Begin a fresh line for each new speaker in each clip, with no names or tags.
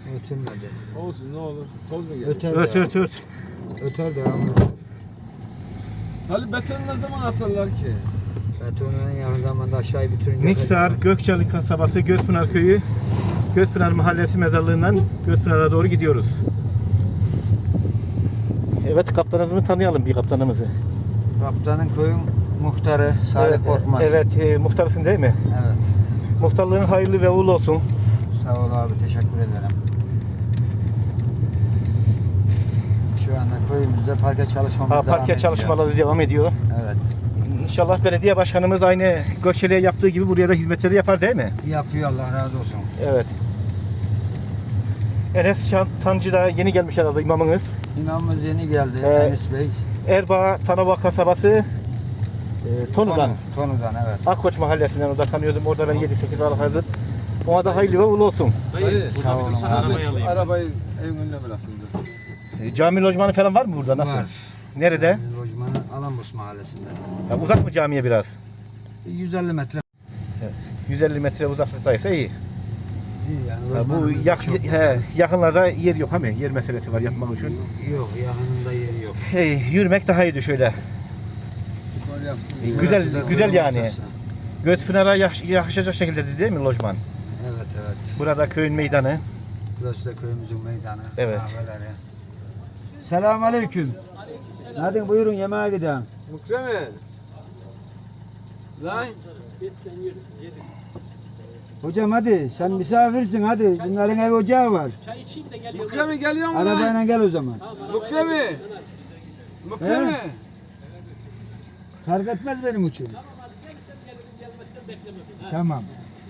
Ötülmedi.
Olsun ne olur. Toz mu gelir?
Öter
Ört
de.
ört ört.
Öter de ama.
Salih betonu ne zaman atarlar ki?
Betonu en yakın zamanda aşağıya bitirince.
Niksar, Gökçalı kasabası, Gözpınar köyü, Gözpınar mahallesi mezarlığından Gözpınar'a doğru gidiyoruz. Evet, kaptanımızı tanıyalım, bir kaptanımızı.
Kaptanın köyün muhtarı Salih Korkmaz.
Evet, muhtarsın değil mi?
Evet.
Muhtarlığın hayırlı ve uğurlu olsun.
Sağ ol abi, teşekkür ederim. Şu anda köyümüzde parke çalışmamız devam
Parke
ediyor.
çalışmaları devam ediyor.
Evet.
İnşallah belediye başkanımız aynı Gökçeli'ye yaptığı gibi buraya da hizmetleri yapar değil mi?
Yapıyor, Allah razı olsun.
Evet. Enes Tancı da yeni gelmiş herhalde imamınız.
İmamımız yeni geldi, Enis Bey.
Erbaa, Tanova kasabası, Tonu'dan.
Tonu'dan, evet.
Akkoç mahallesinden orada tanıyordum. Orada ben 7-8 aralık hazır. Ona da hayırlı ve uğurlu olsun.
Salih,
Sağ olun abi.
arabayı evin önüne bıraksındır.
Cami lojmanı falan var mı burada? Nasıl?
Var.
Nerede?
Lojmanı Alambos mahallesinde.
Ya uzak mı camiye biraz?
150 metre.
150 metre uzaklıktaysa iyi.
İyi yani.
Ya bu
lojmanımız da çok güzel.
yakınlarda yer yok ama yer meselesi var yapmak için.
Yok, yakınında yeri yok.
Yürümek daha iyiydi şöyle.
Spor yapsın.
Güzel
Burası da
güzel
köyün
yani.
ortası.
Gözpınar'a yakışacak şekilde değil mi lojman?
Evet, evet.
Burada köyün meydanı.
Burası da köyümüzün meydanı.
Evet.
Kahveleri. Selamünaleyküm. Hadi buyurun yemeğe gidelim.
Mükremin. Lan.
Hocam hadi sen misafirsin hadi. Bunların ev ocağı var.
Mükremin geliyor mu lan?
Arabayla gel o zaman.
Mükremin. Mükremin.
Fark etmez benim için. Tamam.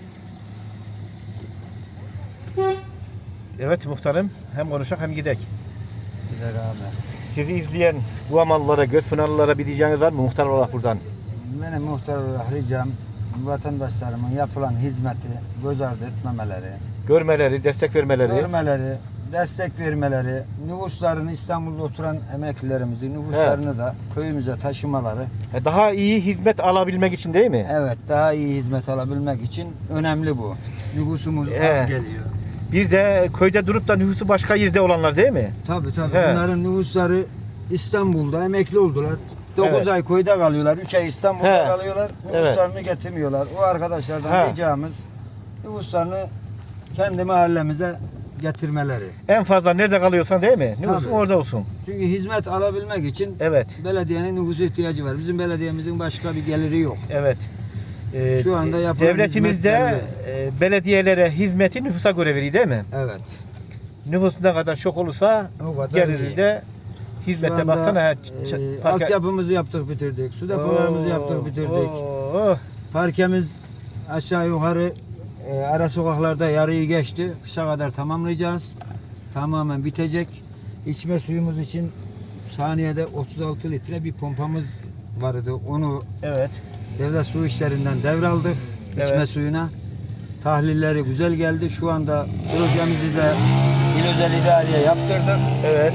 Evet muhtarım. Hem konuşak hem gidek.
Güzel abi.
Sizi izleyen bu amallara, Gözpınarlılara bir diyeceğiniz var mı muhtar olarak buradan?
Benim muhtar olarak ricam vatandaşlarımın yapılan hizmeti göz ardı etmemeleri,
Görmeleri, destek vermeleri.
görmeleri, destek vermeleri, nüfuslarını İstanbul'da oturan emeklilerimizin nüfuslarını da köyümüze taşımaları,
Daha iyi hizmet alabilmek için değil mi?
evet daha iyi hizmet alabilmek için önemli bu. Nüfusumuz
Evet.
az geliyor.
Bir de köyde durup da nüfusu başka yerde olanlar değil mi?
Tabii tabii.
He.
Bunların nüfusları İstanbul'da emekli oldular. 9
Evet.
ay köyde kalıyorlar, 3 ay İstanbul'da
He.
kalıyorlar. Nüfuslarını getirmiyorlar. O arkadaşlardan
He.
ricamız nüfuslarını kendi mahallemize getirmeleri.
En fazla nerede kalıyorsan değil mi? Nüfusun
Tabii.
orada olsun.
Çünkü hizmet alabilmek için
Evet.
belediyenin nüfusu ihtiyacı var. Bizim belediyemizin başka bir geliri yok.
Evet.
Şu anda yapılan
devletimizde
hizmetlerle-
belediyelere hizmeti nüfusa göre veriyor değil mi?
Evet.
Nüfus ne kadar çok olursa
O kadar
geliri
iyi.
de
Şu
hizmete
anda,
baksana.
altyapımızı yaptık bitirdik. Su depolarımızı yaptık bitirdik. Parkemiz aşağı yukarı ara sokaklarda yarıyı geçti. Kışa kadar tamamlayacağız. Tamamen bitecek. İçme suyumuz için saniyede 36 litre bir pompamız vardı. Onu
Evet.
devlet su işlerinden devraldık. İçme
Evet.
suyuna. Tahlilleri güzel geldi. Şu anda projemizi de il özel idareye yaptırdık.
Evet.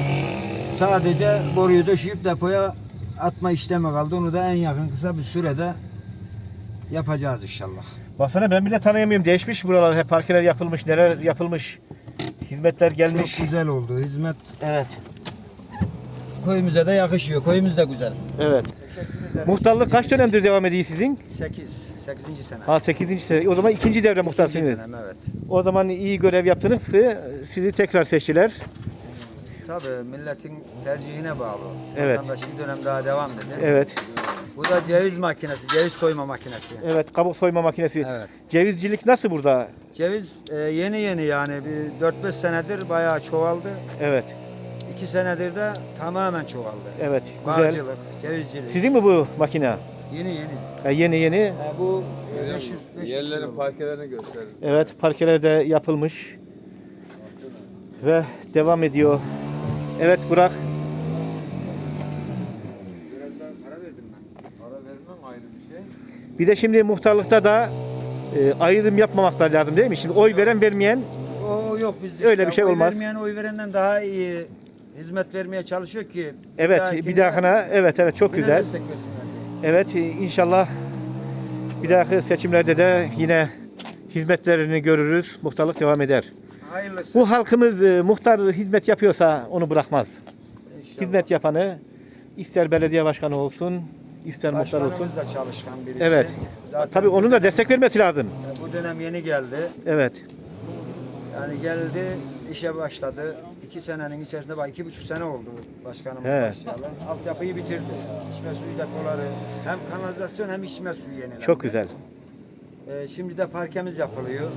Sadece boruyu döşeyip depoya atma işlemi kaldı. Onu da en yakın kısa bir sürede yapacağız inşallah.
Baksana ben bile tanıyamıyorum. Değişmiş buralar. Hep parkeler yapılmış. Neler yapılmış. Hizmetler gelmiş.
Çok güzel oldu. Hizmet
Evet.
köyümüze de yakışıyor. Köyümüz de güzel.
Evet. Muhtarlık kaç dönemdir devam ediyor sizin?
8. sene.
Ha 8. sene. O zaman ikinci devre
İkinci
muhtarsınız.
dönem, evet.
O zaman iyi görev yaptınız. Sizi tekrar seçtiler.
Tabii milletin tercihine bağlı.
Evet.
Vatandaş bir dönem daha devam dedi.
Evet.
Bu da ceviz makinesi, ceviz soyma makinesi.
Evet. Kabuk soyma makinesi.
Evet.
Cevizcilik nasıl burada?
Ceviz yeni yani bir 4-5 senedir bayağı çoğaldı.
Evet.
2 senedir de tamamen çoğaldı.
Evet. Güzel.
Bağcılık, cevizcilik.
Sizin mi bu makine?
Yeni.
Yeni.
Bu
Görüyor
500
musun?
500
Yerlerin
kilo.
parkelerini gösterin.
Evet. Parkeler de yapılmış. Ve devam ediyor. Evet Burak.
Biraz daha para verdim ben.
Para vermem ayrı bir şey.
Bir de şimdi muhtarlıkta da ayrım yapmamak da lazım değil mi? Şimdi oy veren vermeyen
O yok bizde.
Öyle bir şey
oy
olmaz.
Vermeyen oy verenden daha iyi hizmet vermeye çalışıyor ki.
evet bir dahakına evet çok
yine
güzel.
destek versinler diye.
Evet inşallah bir dahaki seçimlerde de yine hizmetlerini görürüz. Muhtarlık devam eder.
Hayırlısı.
Bu halkımız muhtar hizmet yapıyorsa onu bırakmaz.
İnşallah.
Hizmet yapanı ister belediye başkanı olsun, ister muhtar olsun.
Başkanımız da çalışkan birisi.
Evet.
Zaten
Tabii onun da destek vermesi lazım.
bu dönem yeni geldi.
Evet.
Yani geldi, işe başladı. 2 senenin içerisinde, bak 2,5 sene oldu başkanımız
He.
başlayalı. Altyapıyı bitirdi. İçme suyu depoları, hem kanalizasyon hem içme suyu yenilendi.
Çok güzel.
Şimdi de parkemiz yapılıyor.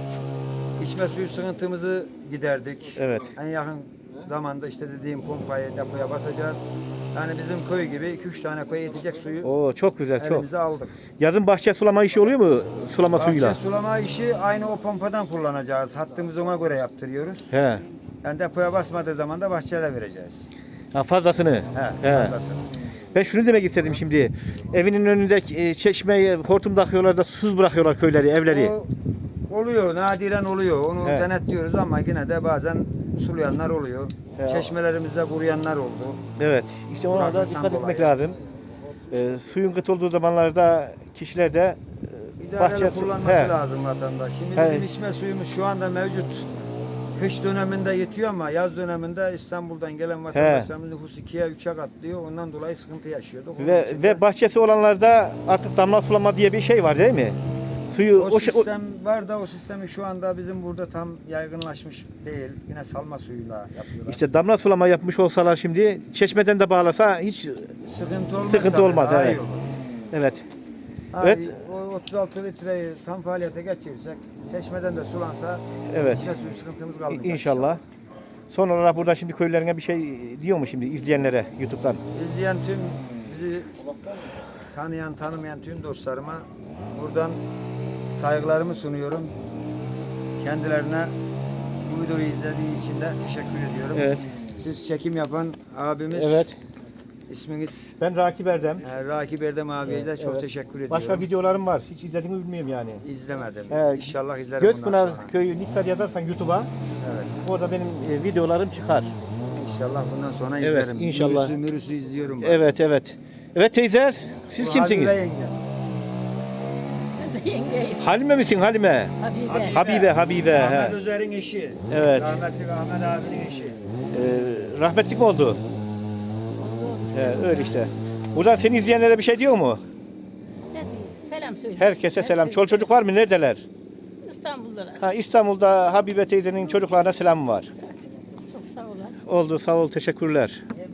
İçme suyu sıkıntımızı giderdik.
Evet.
En yakın zamanda işte dediğim pompayı depoya basacağız. Yani bizim köy gibi 2-3 tane köye yetecek suyu
Oo çok güzel, çok.
elimize aldık.
Yazın bahçe sulama işi oluyor mu? Sulama suyuyla.
Bahçe sulama işi aynı o pompadan kullanacağız. Hattımızı ona göre yaptırıyoruz.
He.
Yani depoya basmadığı zaman da bahçelere vereceğiz.
Ha, fazlasını.
He,
He.
fazlasını.
Ben şunu demek istedim şimdi. Evinin önünde çeşmeyi hortum takıyorlar da susuz bırakıyorlar köyleri, evleri.
O oluyor, nadiren oluyor. Onu
He.
denetliyoruz ama yine de bazen sulayanlar oluyor.
He.
Çeşmelerimizde kuruyanlar oldu.
Evet. İşte ona da
Bırakmaktan
dikkat etmek
dolayı.
lazım. Suyun kıt olduğu zamanlarda kişiler de
İdareli kullanması
He.
lazım vatandaş. Şimdi
He.
bizim içme suyumuz şu anda mevcut. Kış döneminde yetiyor ama yaz döneminde İstanbul'dan gelen vatandaşlarımız nüfus 2'ye 3'e katlıyor. Ondan dolayı sıkıntı yaşıyorduk. Onun için de
ve bahçesi olanlarda artık damla sulama diye bir şey var değil mi? Suyu
o sistem var da o sistemi şu anda bizim burada tam yaygınlaşmış değil. Yine salma suyuyla yapıyorlar.
işte damla sulama yapmış olsalar şimdi çeşmeden de bağlasa hiç
sıkıntı olmaz.
sıkıntı
tabii,
olmaz,
daha
evet.
iyi olur.
evet.
Abi,
Evet.
O 36 litreyi tam faaliyete geçirirsek, çeşmeden de sulansa
Evet.
içme suyu sıkıntımız kalmayacak.
İnşallah. Son olarak burada şimdi köylerine bir şey diyor mu şimdi izleyenlere YouTube'dan?
İzleyen tüm, bizi tanıyan, tanımayan tüm dostlarıma buradan saygılarımı sunuyorum. Kendilerine bu videoyu izlediği için de teşekkür ediyorum.
Evet.
Siz çekim yapan abimiz,
Evet.
isminiz
Ben Rakip Erdem.
Rakip Erdem abiye de çok
Evet.
teşekkür ediyorum.
Başka videolarım var. Hiç izlediğimi bilmiyorum yani.
İzlemedim.
He,
İnşallah izlerim bundan
Gözpınar
sonra.
Köyü Niksar yazarsan YouTube'a
Evet.
orada benim videolarım çıkar.
İnşallah bundan sonra
Evet,
izlerim.
inşallah.
Mürüsü izliyorum. ben.
Evet evet. Evet teyzeler siz
Bu
kimsiniz?
Habibe yenge.
Yengeyim.
Halime misin Halime?
Habibe.
Habibe.
Ahmet
He.
Özer'in eşi.
Evet.
Rahmetli Ahmet abinin eşi.
Rahmetlik mi oldu? Öyle işte. Buradan seni izleyenlere bir şey diyor mu?
Ne diyeyim? Selam söyle.
Herkese selam. Çoluk çocuk var mı? Neredeler?
İstanbul'da.
Ha, İstanbul'da Habibe teyzenin çocuklarına selam var.
Çok sağ olun.
Oldu sağ ol teşekkürler.